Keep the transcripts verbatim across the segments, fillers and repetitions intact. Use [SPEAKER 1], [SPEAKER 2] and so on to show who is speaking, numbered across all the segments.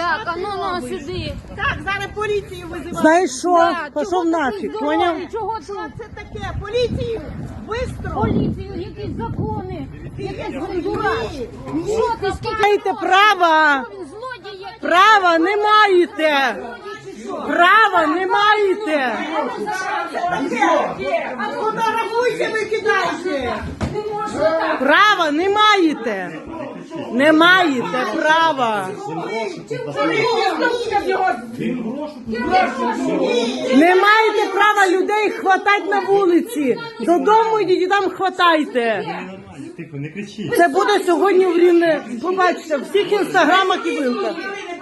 [SPEAKER 1] Так, а ну на сюди.
[SPEAKER 2] Так, зараз поліцію визиваємо.
[SPEAKER 3] Знаєш що?
[SPEAKER 1] Да,
[SPEAKER 3] Пішов
[SPEAKER 1] чого ти
[SPEAKER 3] нафіг,
[SPEAKER 1] здоровий?
[SPEAKER 3] поняв?
[SPEAKER 1] Чого
[SPEAKER 2] Що
[SPEAKER 1] тут?
[SPEAKER 2] це таке? Поліцію! Бистро!
[SPEAKER 1] Поліцію, якісь закони, якась гандура. Що ти, скільки
[SPEAKER 3] Маєте
[SPEAKER 1] можна?
[SPEAKER 3] права!
[SPEAKER 1] Що він, злодій якийсь?
[SPEAKER 3] Права не маєте! Права не маєте!
[SPEAKER 2] Фотографуйте, викидайте!
[SPEAKER 3] Права не маєте! Не маєте права! Не маєте права людей хватати на вулиці! Додому йдіть і там хватайте!
[SPEAKER 4] Тихо, не кричіть.
[SPEAKER 3] Це буде сьогодні в Рівне. Побачите, в всіх інстаграмах і вилках.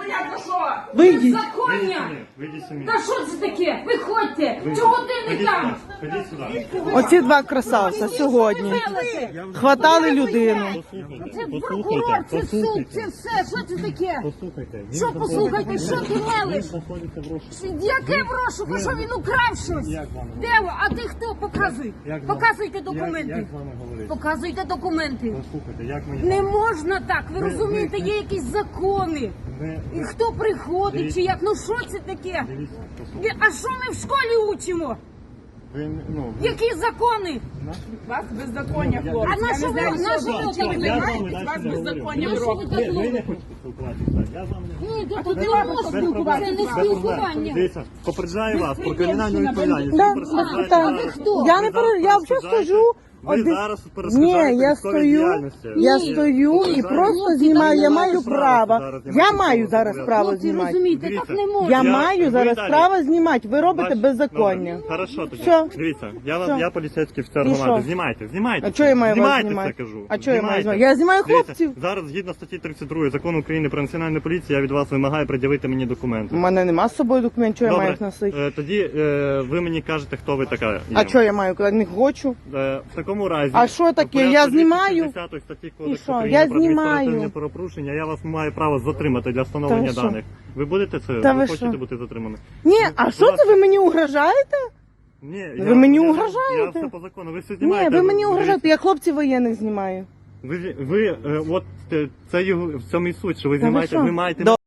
[SPEAKER 3] Вийдіть.
[SPEAKER 1] Законня!
[SPEAKER 4] Вийдіть самі.
[SPEAKER 1] Та що це таке? Виходьте! Чого ти не там?
[SPEAKER 4] Ходіть сюди.
[SPEAKER 3] Оці два красавця сьогодні хватали людину.
[SPEAKER 1] Це прокурор, це суд, це все. Що це таке?
[SPEAKER 4] Послухайте. він
[SPEAKER 1] Що послухайте, що ти мелиш?
[SPEAKER 4] знаходиться в розшуку.
[SPEAKER 1] Яке в розшуку? Що він украв щось?
[SPEAKER 4] Як вам
[SPEAKER 1] Де ви? А ти хто? Показуй.
[SPEAKER 4] Як з вами-
[SPEAKER 1] Показуйте
[SPEAKER 4] Як,
[SPEAKER 1] документи.
[SPEAKER 4] як з вами говорити?
[SPEAKER 1] Показуйте документи.
[SPEAKER 4] Послухайте, як мені...
[SPEAKER 1] Не можна так, ви
[SPEAKER 4] Ви-
[SPEAKER 1] розумієте,
[SPEAKER 4] ви-
[SPEAKER 1] є якісь закони.
[SPEAKER 4] Ви,
[SPEAKER 1] І хто приходить,
[SPEAKER 4] Дивіться.
[SPEAKER 1] чи як? Ну що це таке?
[SPEAKER 4] дивіться,
[SPEAKER 1] Ви-
[SPEAKER 4] послухайте.
[SPEAKER 1] А що ми в школі учимо?
[SPEAKER 4] Ви, ну, ви...
[SPEAKER 1] Які закони?
[SPEAKER 2] Вас беззаконня,
[SPEAKER 4] Я-
[SPEAKER 2] хлопці.
[SPEAKER 1] А на що ви, на що ви
[SPEAKER 4] Я
[SPEAKER 1] так
[SPEAKER 4] з вами
[SPEAKER 1] вимагаєте?
[SPEAKER 4] далі не
[SPEAKER 2] беззаконня
[SPEAKER 4] говорю.
[SPEAKER 1] робите.
[SPEAKER 4] Ви, ви не хочете спілкуватися. Я з вами не
[SPEAKER 1] Ні,
[SPEAKER 2] А
[SPEAKER 1] тут
[SPEAKER 2] тут
[SPEAKER 1] не
[SPEAKER 2] треба
[SPEAKER 1] можна
[SPEAKER 4] Без проблем.
[SPEAKER 1] спілкуватися, не
[SPEAKER 4] Без проблем.
[SPEAKER 1] спілкування.
[SPEAKER 4] Дивіться, попереджаю вас про кримінальну відповідальність.
[SPEAKER 3] Да,
[SPEAKER 4] Ви перешкоджаєте
[SPEAKER 3] так.
[SPEAKER 4] зараз-
[SPEAKER 1] хто?
[SPEAKER 3] Я
[SPEAKER 4] ви
[SPEAKER 3] не
[SPEAKER 4] зараз
[SPEAKER 3] пере- я вже
[SPEAKER 4] перешкоджаєте-
[SPEAKER 3] стою.
[SPEAKER 4] Ви
[SPEAKER 3] Один-
[SPEAKER 4] зараз
[SPEAKER 3] Ні,
[SPEAKER 4] перешкоджаєте
[SPEAKER 3] я
[SPEAKER 4] військовій
[SPEAKER 3] стою,
[SPEAKER 4] діяльності.
[SPEAKER 3] я
[SPEAKER 4] Ви
[SPEAKER 3] стою і
[SPEAKER 4] перешкоджаєте-
[SPEAKER 3] просто знімаю, я маю
[SPEAKER 4] Хлопці,
[SPEAKER 3] право.
[SPEAKER 4] зараз
[SPEAKER 3] Я
[SPEAKER 4] знімати
[SPEAKER 3] маю
[SPEAKER 4] право
[SPEAKER 3] зараз
[SPEAKER 4] зобов'язані.
[SPEAKER 3] право
[SPEAKER 1] Хлопці,
[SPEAKER 3] знімати.
[SPEAKER 1] розумієте,
[SPEAKER 4] Дивіться.
[SPEAKER 1] так не можна.
[SPEAKER 3] Я
[SPEAKER 4] Я-
[SPEAKER 3] маю
[SPEAKER 4] ви
[SPEAKER 3] зараз
[SPEAKER 4] далі.
[SPEAKER 3] право знімати. Ви робите
[SPEAKER 4] Бач-
[SPEAKER 3] беззаконня.
[SPEAKER 4] Добре. Хорошо тоді.
[SPEAKER 3] Що?
[SPEAKER 4] Дивіться, я,
[SPEAKER 3] Що?
[SPEAKER 4] я поліцейський офіцер
[SPEAKER 3] І
[SPEAKER 4] громади.
[SPEAKER 3] що?
[SPEAKER 4] Знімайте, знімайте.
[SPEAKER 3] А чого я маю вас
[SPEAKER 4] знімайте
[SPEAKER 3] знімати?
[SPEAKER 4] це, кажу.
[SPEAKER 3] А чого я маю
[SPEAKER 4] Знімайте.
[SPEAKER 3] знімати? Я знімаю
[SPEAKER 4] Дивіться,
[SPEAKER 3] хлопців.
[SPEAKER 4] Зараз, згідно статті тридцять другої закону України про національну поліцію, я від вас вимагаю пред'явити мені документи.
[SPEAKER 3] У мене нема з собою документів, що я маю
[SPEAKER 4] Добре,
[SPEAKER 3] їх носити.
[SPEAKER 4] е, тоді е, ви мені кажете, хто ви така є.
[SPEAKER 3] А що я маю, коли не хочу?
[SPEAKER 4] Е, в такому разі...
[SPEAKER 3] А що таке?
[SPEAKER 4] в порядку
[SPEAKER 3] Я знімаю?
[SPEAKER 4] двісті шістдесятої статті Кодексу
[SPEAKER 3] що?
[SPEAKER 4] України
[SPEAKER 3] Я
[SPEAKER 4] про адміністративне
[SPEAKER 3] знімаю.
[SPEAKER 4] правопорушення, я вас маю право затримати для встановлення
[SPEAKER 3] що?
[SPEAKER 4] даних. Ви будете це?
[SPEAKER 3] Та
[SPEAKER 4] ви
[SPEAKER 3] ви
[SPEAKER 4] хочете
[SPEAKER 3] що?
[SPEAKER 4] бути затримані?
[SPEAKER 3] Ні, а що це ви мені угрожаєте?
[SPEAKER 4] Ні,
[SPEAKER 3] Ви мені
[SPEAKER 4] я,
[SPEAKER 3] угрожаєте?
[SPEAKER 4] Я все по закону. Ви все
[SPEAKER 3] Ні,
[SPEAKER 4] знімаєте.
[SPEAKER 3] ви мені
[SPEAKER 4] дивіться.
[SPEAKER 3] угрожаєте, я хлопців воєнних знімаю.
[SPEAKER 4] Ви, ви, е, от е, це його в цьому і суть, що ви
[SPEAKER 3] Та ви
[SPEAKER 4] знімаєте,
[SPEAKER 3] що?
[SPEAKER 4] ви маєте
[SPEAKER 3] До-